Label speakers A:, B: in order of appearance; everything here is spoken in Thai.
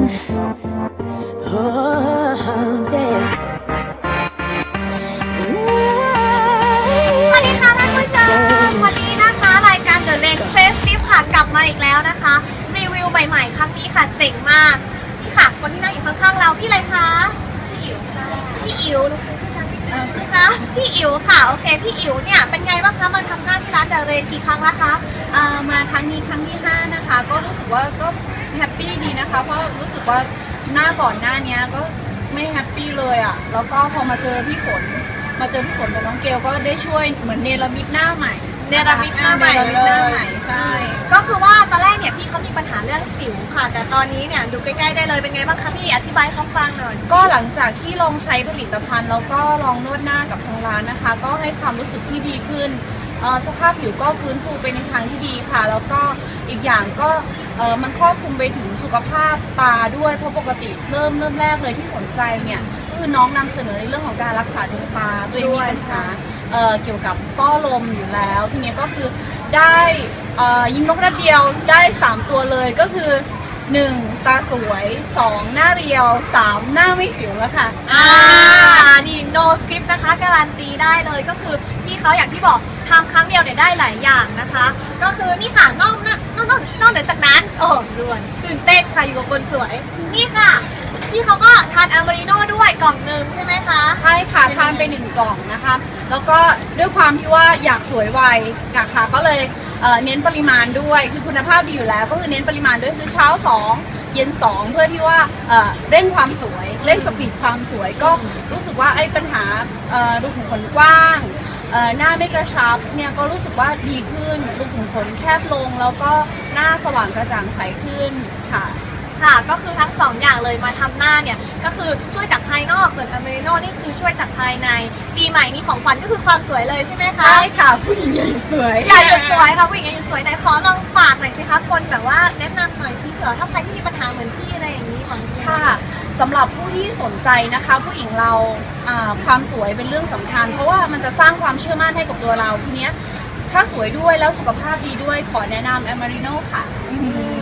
A: วัสดีค่ะท่านผู้ชมวันนี้นะคะรายการ The Lens Facelift ค่ะกลับมาอีกแล้วนะคะรีวิวใหม่ๆครั้งนี้ค่ะเจ๋งมากนี่ค่ะคนที่นั่งอยู่ข้างๆเราพี่อะไรคะชื่ออิ๋วค่ะพี่อิ๋วนะคะพี่อิ๋วค่ะโอเคพี่อิ๋วเนี่ยเป็นไงบ้างคะมาทำงานที่ร้าน The Lens กี่ครั้งแล้วคะ
B: มาครั้งนี้ครั้งที่5นะคะก็รู้สึกว่าก็แฮปปี้ดีนะคะเพราะรู้สึกว่าก่อนหน้านี้ก็ไม่แฮปปี้เลยอ่ะแล้วก็พอมาเจอพี่ฝนกับน้องเกลก็ได้ช่วยเหมือนเนรมิตหน้าใหม่ใช่
A: ก็คือว่าตอนแรกเนี่ยพี่เขามีปัญหาเรื่องสิวค่ะแต่ตอนนี้เนี่ยดูใกล้ๆได้เลยเป็นไงบ้างคะพี่อธิบายให้เขาฟังหน่อย
B: ก็หลังจากที่ลองใช้ผลิตภัณฑ์แล้วก็ลองนวดหน้ากับทางร้านนะคะก็ให้ความรู้สึกที่ดีขึ้นสภาพผิวก็ฟื้นฟูไปในทางที่ดีค่ะแล้วก็อีกอย่างก็มันครอบคลุมไปถึงสุขภาพตาด้วยเพราะปกติเริ่มแรกเลยที่สนใจเนี่ยคือน้องนำเสนอในเรื่องของการรักษาดวงตาตัวเองมีปัญหาเกี่ยวกับต้อลมอยู่แล้วทีนี้ก็คือได้ยิงนกกระเดียวได้3ตัวเลยก็คือ1ตาสวย2หน้าเรียว3หน้าไม่สิวแล้วค่ะ
A: นี่ no script นะคะการันตีได้เลยก็คือพี่เขาอย่างที่บอกทำครั้งเดียวเนี่ยได้หลายอย่างนะคะก็คือนี่ค่ะนอกเหนือจากนั้นโอ้ด่วนตื่นเต้นค่ะอยู่กับคนสวยนี่ค่ะพี่เขาก็ทานอเมริโน่ด้วยกล่องหนึ่งใช่ไหมคะ
B: ใช่ค่ะทานไป1กล่องนะคะแล้วก็ด้วยความที่ว่าอยากสวยไวค่ะก็เลยเน้นปริมาณด้วยคือคุณภาพดีอยู่แล้วก็คือเน้นปริมาณด้วยคือเช้า2เย็น2เพื่อที่ว่าเร่งความสวยเร่งสปีดความสวยก็รู้สึกว่าไอ้ปัญหารูขุมขนกว้างหน้าไม่กระชับเนี่ยก็รู้สึกว่าดีขึ้นรูขุมขนแคบลงแล้วก็หน้าสว่างกระจ่างใสขึ้นค่ะ
A: ก็คือทั้ง2อย่างเลยมาทำหน้าเนี่ยก็คือช่วยจากภายนอกส่วนอเมริโน่นี่คือช่วยจากภายในปีใหม่นี้ของขวัญก็คือความสวยเลยใช่ไหมคะ
B: ใช่ค่ะผู้หญิงอย่าหยุดสวย
A: อย่าหยุดสวยค่ะผู้หญิงอย่าหยุดสวยไหนขอลองฝากหน่อยสิคะคนแบบว่าแนะนำหน่อยซิเผื่อถ้าใครที่มีปัญหาเหมือนพี่อะไรอย่างนี้ของพี่
B: ค่ะสำหรับผู้ที่สนใจนะคะผู้หญิงเราความสวยเป็นเรื่องสำคัญเพราะว่ามันจะสร้างความเชื่อมั่นให้กับตัวเราทีเนี้ยถ้าสวยด้วยแล้วสุขภาพดีด้วยขอแนะนำอเมริโน่ค่ะ